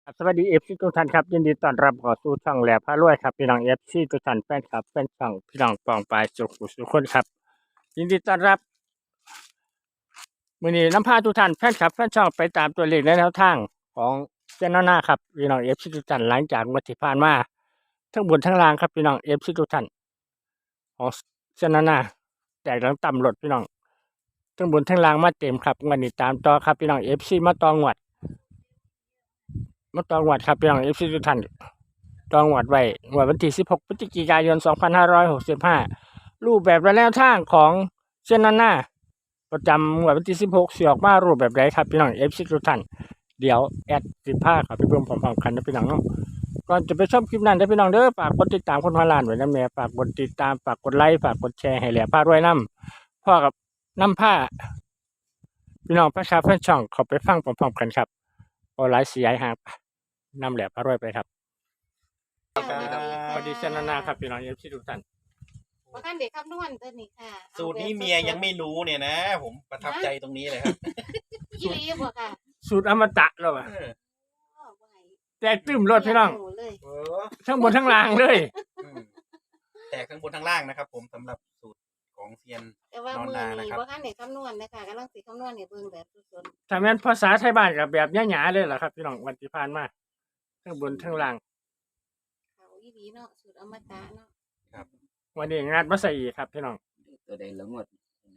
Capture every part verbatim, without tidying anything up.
ครับสวัสดีเอฟซีทุกท่านครับยินดีต้อนรับเข้าสู่ช่องแหลมพารวยครับพี่น้องเอฟซีทุกท่านแฟนคลับแฟนช่องพี่น้องปองปลายสุขุสุขคนครับยินดีต้อนรับมื้อนี้นำพาทุกท่านแฟนคลับแฟนช่องไปตามตัวเลขและแนวทางของเจ้าหน้าหน้าครับพี่น้องเอฟซีทุกท่านหลังจากงวดที่ผ่านมาทั้งบนทั้งล่างครับพี่น้องเอฟซีทุกท่านของเจ้าหน้าหน้าแตกหลังต่ำหลดพี่น้องทั้งบนทั้งล่างมาเต็มครับงวดนี้ตามต่อครับพี่น้องเอฟซีมาต่องวดมาต่องวดครับพี่น้องเอฟซีทุกท่าน จองหวัดไว้หวัดวันที่สิบหกพฤศจิกายนสองพันห้าร้อยหกสิบห้ารูปแบบและแนวทางของเส้นนั้นหน้าประจำหวัดวันที่สิบหกเสียออกมารูปแบบใดครับพี่น้องเอฟซีทุกท่านเดี๋ยวแอดสิบห้าครับพี่เพิ่มพร้อมๆกันนะพี่น้องเนาะก่อนจะไปชมคลิปนั้นนะพี่น้องเด้อฝากกดติดตามคนพันล้านไว้นะแม่ฝากกดติดตามฝากกดไลค์ฝากกดแชร์ให้แหล่ผ้ารวยน้ำพ่อกับน้ำผ้าพี่น้องประชาเพื่อนช่องเขาไปฟังพร้อมๆกันครับโอไลฟ์เสียหายนำแหล่ผ้ารวยไปครับ ครับสวัสดีเซนนานาครับพี่น้องเอฟซีทุกท่านว่าท่านเด็กคำนวณตัวนี้ค่ะสูตรนี้เมียยังไม่รู้เนี่ยนะ ผมประทับใจตรงนี้เลยครับยี่ลีบ่ค่ะสูตรอมตะแล้วอะแตกตื้มรถพี่น้องเลยเออทั้งบนทั้งล่างเลยอืมแต่ข้างบนข้างล่างนะครับ ผมสำหรับสูตรของเซียนแต่ว่ามือนอนนานะนี้ครับว่าท่านเด็กคำนวณนะคะกำลังสิคำนวณเนี่ยเบิ่งแบบสดถ้าแม่นภาษาไทยบ้านกับแบบหยาๆเลยล่ะครับพี่น้องวันที่ผ่านมาทั้งบนทั้งล่างๆเขายี่ลีเนาะสูตรอมตะเนาะวันนี้งานมาใส่อีกครับพี่น้องตัวใดละงวด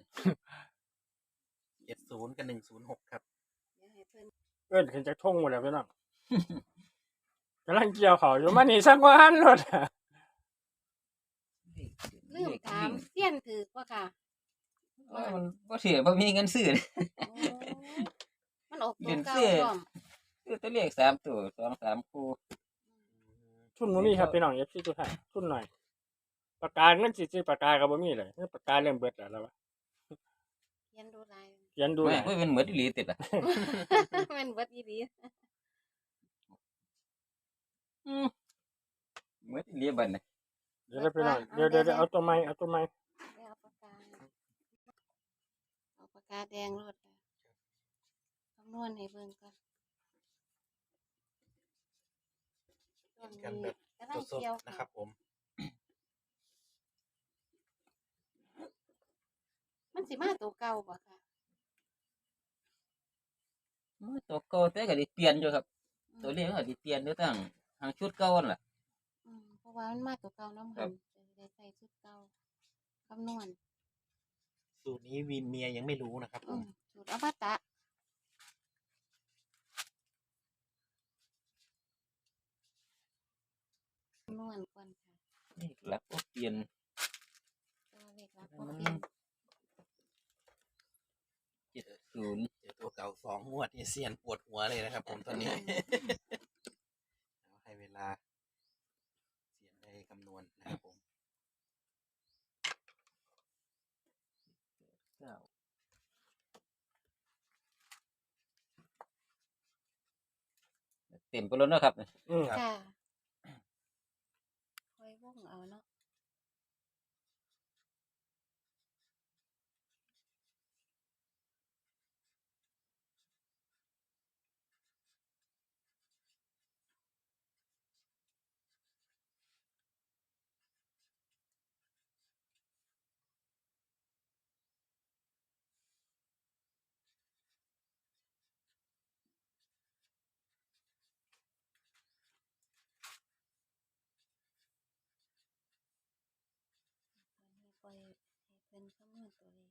เจ็ดศูนย์กับหนึ่งศูนย์หกครับเดี๋ยวให้เพิ่นเอิ้นขึ้นจากทุ่งหมดแล้วพี่น้อง กำลังเกี่ยวเขาอยู่มานี่สักวันรถอะลืมถามเสี้ยนถือว่าค่ะว่ามันบ่ถือบ่มีเงินซื้อเลยโอ้มันออกตัเรีวยนเก่าซื้อพร้อมซื้อตัวเลขสามตัวสองสามคู่ทุนบ่มีครับพี่น้องเอฟซีทุกท่านทุนหน่อยปากกาเงินสิซื้อปากกาก็บ่มีเลยปากกาเริ่มเบิดแล้วแล้ววะเขียนดูลายเขียนดูหไม่น่อยไม่เป็นเหมือนอีหลีติดอ่ะมันเบิดยี่ลีอืมเหมือนอีหลีบัดน่ะเดี๋ยวนะพี่น้องเดี๋ยวเดี๋ยวเดี๋ยวเอาตัวไม้เอาตัวไม้เอาปากกาเอาปากกาแดงรถค่ะคำนวณให้เบิ่งก่อนช่วงกันนี้แบบกำลังสดเกี่ยวๆนะครับผมมันสิมาตัวเก่าบ่ค่ะมันตัวเก่าแต่ก็ได้เปลี่ยนอยู่ครับ ตัวเลขมันก็ได้เปลี่ยนอยู่ตั้งทางชุดเก่านั่นล่ะอืมเพราะว่ามันมาตัวเก่าน้ำครัหับนจะได้ใส่ชุดเก่าคำนวณสูตรนี้วินเมียยังไม่รู้นะครับผอืมมสูตรอมตะคำนวณก่อนค่ะเลขหลักก็เปลี่ยนตัวเลขหลักบ่เปลี่ยนเจ็ดศูนย์เจอตัวเก่าสองงวดเนี่ยเซียนปวดหัวเลยนะครับ ผมตอนนี้ เอาให้เวลาเซียนได้คำนวณนะครับผมเก้าเต็มไปแล้วเนาะครับอืมค่ะค่อยวงเอาเนาะ ปล่อยให้เพิ่นคำนวณตัวเลข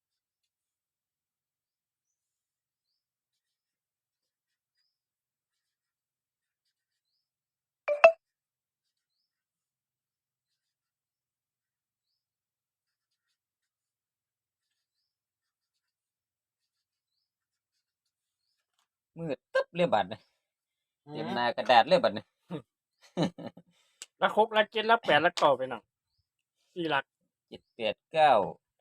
มืดตึ๊บเลยบัดน่ะเต็มหน้ากระดาษเลยบัดน่ะละครบละเจ็ดละแปดละเก้าไปน้องสี่หลักเจ็ดแปดเก้าง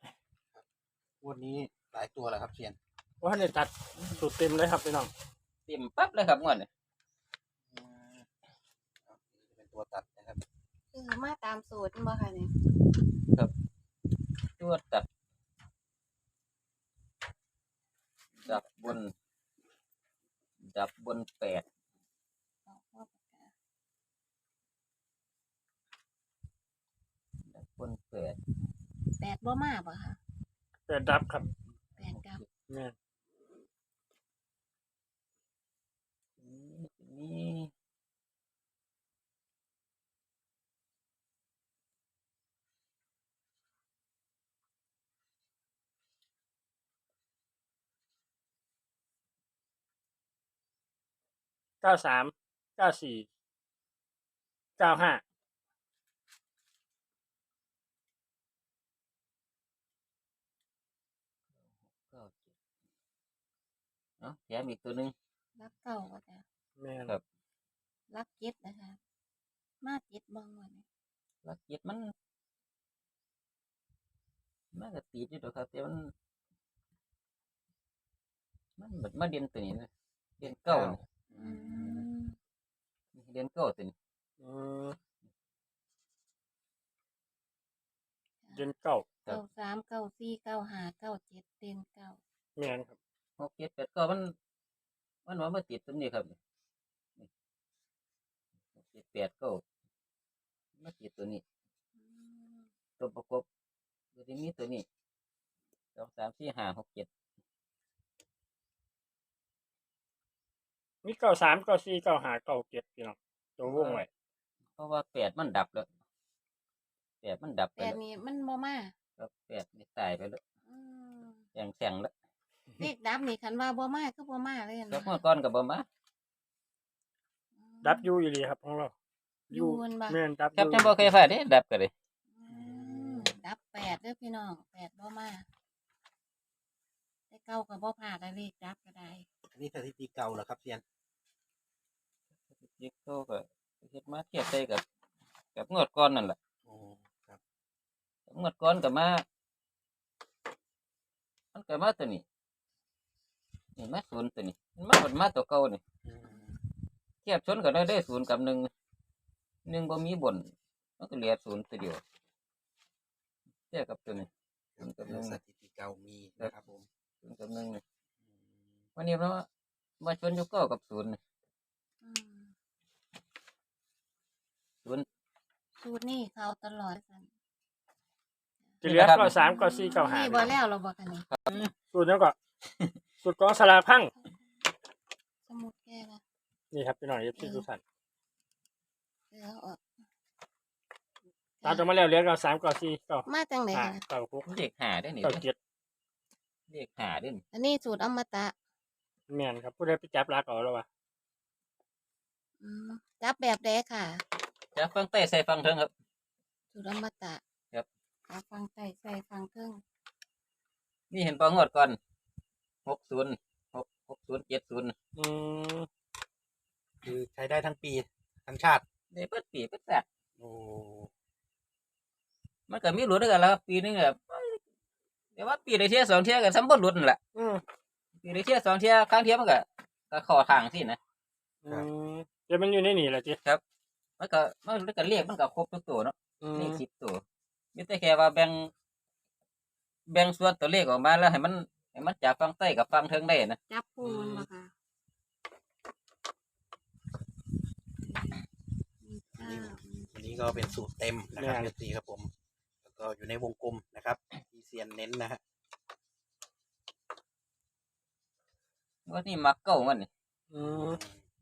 วดนี้หลายตัวแล้วครับเซียนว่าในตัดสูตรเต็มเลยครับพี่น้องเต็มปั๊บเลยครับงวดนี้อืมเอานี่เป็นตัวตัดนะครับคือมาตามสูตรบ่ค่ะเนี่ยตัวตัดดับบน ดับบนแปดคนแปดแปดบ่มาบ่ค่ะแปดดับครับแปดกับแม่นนี่เก้าสามเก้าสี่เก้าห้าเก้าเจ็ดเนาะแถมอีกตัวหนึงรักเก่าก็จ้ะแม่นครับรักเจ็ดนะคะ มาเจ็ดบ่งวันนี้ลักเจ็ดมันมันก็ติดอยู่ดอกครับแต่มันมันแบบมาเด่นตัวนี้นะเด่นเก้านี่อืมเด่นเก้าตัวนี้อืมเดือนเก้าเก้าสามเก้าสี่เก้าห้าเก้าเจ็ดเต็งเก้าแม่นครับหกเจ็ดแปดเก้ามันมันว่ามาติดตัวนี้ครับนี่หกเจ็ดแปดเก้ามาติดตัวนี้อืมตัวประกบตัวที่มีตัวนี้สองสามสี่ห้าหกเจ็ดมีเก้าสามเก้าสี่เก้าห้าเก้าเจ็ดพี่น้องตัววงไว้เพราะว่าแปดมันดับแล้วแปดมันดับไปแปดแล้วนี่มันบ่มาครับแปดนี่ตายไปแล้วอืมแข่งแข่งแล้วเลขดับนี่คันว่าบ่มาคือบ่มาเลยแล้วนะเมื่อก่อนกับบ่มาอืมดับอยูอยู่ดีครับของเราอยู่มันบ่แม่นดับอครับยู่จังบ่เคยพลาดเด้ดับก็เลยอืมดับแปดเด้อพี่น้องแปดบ่มาแต่เก้าก็บ่พลาดได้เลขดับก็ได้อันนี้สถิติเก่าเหรอครับเซียนเด็กโตก็เฮ็ดมาเทียบใส่กับกับงวดก่อนนั่นแหละโอ้ครับงวดก่อนก็มามันก็มาตัวนี้นี่มาศูนย์ตัวนี้มันมามันมาตัวเก่านี่อืมเทียบชนก็ได้ได้ศูนย์กับหนึ่งหนึ่งบ่มีบนมันก็เหลือศูนย์ตัวเดียวเทียบกับตัวนี้ศูนย์กับหนึ่งสถิติเก่ามีนะครับผมศูนย์กับหนึ่งนี่อืมวันนี้เรามาชนอยู่เก้ากับศูนย์นี่อืมศูนย์สูตรนี่เขาตลอดกันจะเหลือเก้าสามเก้าสี่เก้าห้านี่บ่แล้วเราบ่กันนี่สูตรนั้นก็สูตรกองสลากพังสมุดแก้ละนี่ครับพี่น้องเอฟซีทุกท่านเออเอาออกตามตัวมาแล้วเหลือเก้าสามเก้าสี่เก้ามาจังไหนห้าคะเก้าหกเลขหาได้นี่เก้าเจ็ดเลขหาได้นี่อันนี้สูตรอมตะแม่นครับผู้ใดไปจับลักเอาแล้ววะอืมจับแบบใดค่ะจะฟังใต้ใส่ฟังเทิงครับสูตรอมตะครับเอาฟังใต้ใส่ฟังเครื่องนี่เห็นปองวดก่อนหกศูนย์หกหกศูนย์เจ็ดศูนย์อืมคือใช้ได้ทั้งปีทั้งชาติได้เปิดปีเปิดแปดโอ้มันก็มีหลุดด้วยกันแล้วครับปีนึงแบบแต่ว่าปีได้เที่ยสองเที่ยกันซ้ำบ่หลุดนั่นแหละอืมปีได้เที่ยสองเที่ยครั้งเที่ยมันก็ก็ขอทางสินะอืมเดี๋ยวมันอยู่ในนี่แหละจีมันก็มันก็เรียกมันก็ครบทุกตัวเนาะอืเลมขสิบตัวมีแต่แค่ว่าแบ่งแบ่งส่วนตัวเลขออกมาแล้วให้มันให้มันจากฝั่งใต้กับฝั่งเทิงได้นะจับคู่มันบ่ค่ะมีเก้าวันนี้ก็เป็นสูตรเต็มนะครับเอฟซีครับผม แล้วก็อยู่ในวงกลมนะครับที่เซียนเน้นนะฮะว่านี่มักเก้ามันนี่อืม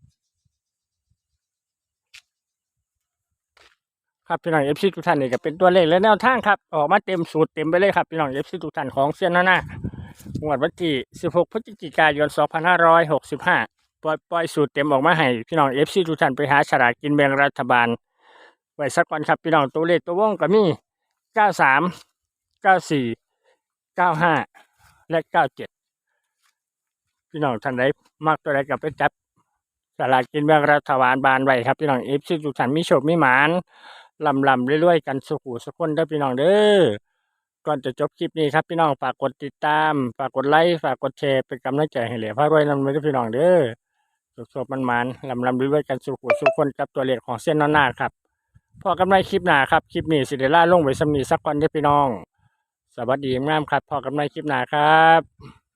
ครับพี่น้องเอฟซีทุกท่านนี่ก็เป็นตัวเลขและแนวทางครับออกมาเต็มสูตรเต็มไปเลยครับพี่น้องเอฟซีทุกท่านของเซียนหน้าหน้างวดวันที่สิบหกพฤศจิกายนสองพันห้าร้อยหกสิบห้าปล่อยปล่อยสูตรเต็มออกมาให้พี่น้องเอฟซีทุกท่านไปหาฉลากกินแบ่งรัฐบาลไว้สักก่อนครับพี่น้องตัวเลขตัววงก็มีเก้าสามเก้าสี่เก้าห้าและเก้าเจ็ดพี่น้องท่านใดมักตัวใดก็ไปจับฉลากกินแบ่งรัฐบาลบานไว้ครับพี่น้องเอฟซีทุกท่านมีโชคมีหมานลำลำเรื่อยๆกันสุขุสุขคนเด้อพี่น้องเด้อก่อนจะจบคลิปนี้ครับพี่น้องฝากกดติดตามฝากกดไลค์ฝากกดแชร์เป็นกำลังใจให้เหลือพระรวยนำไปด้วยพี่น้องเด้อสุขๆมันมันๆลำลำเรื่อยๆกันสุขุสุขคนกับตัวเลขของเส้นน้าหน้าครับพอกันในคลิปหน้าครับคลิปนี้สิเดล่าลงไว้สำนีสักก่อนเด้อพี่น้องสวัสดีงามครับพอกันในคลิปหน้าครับ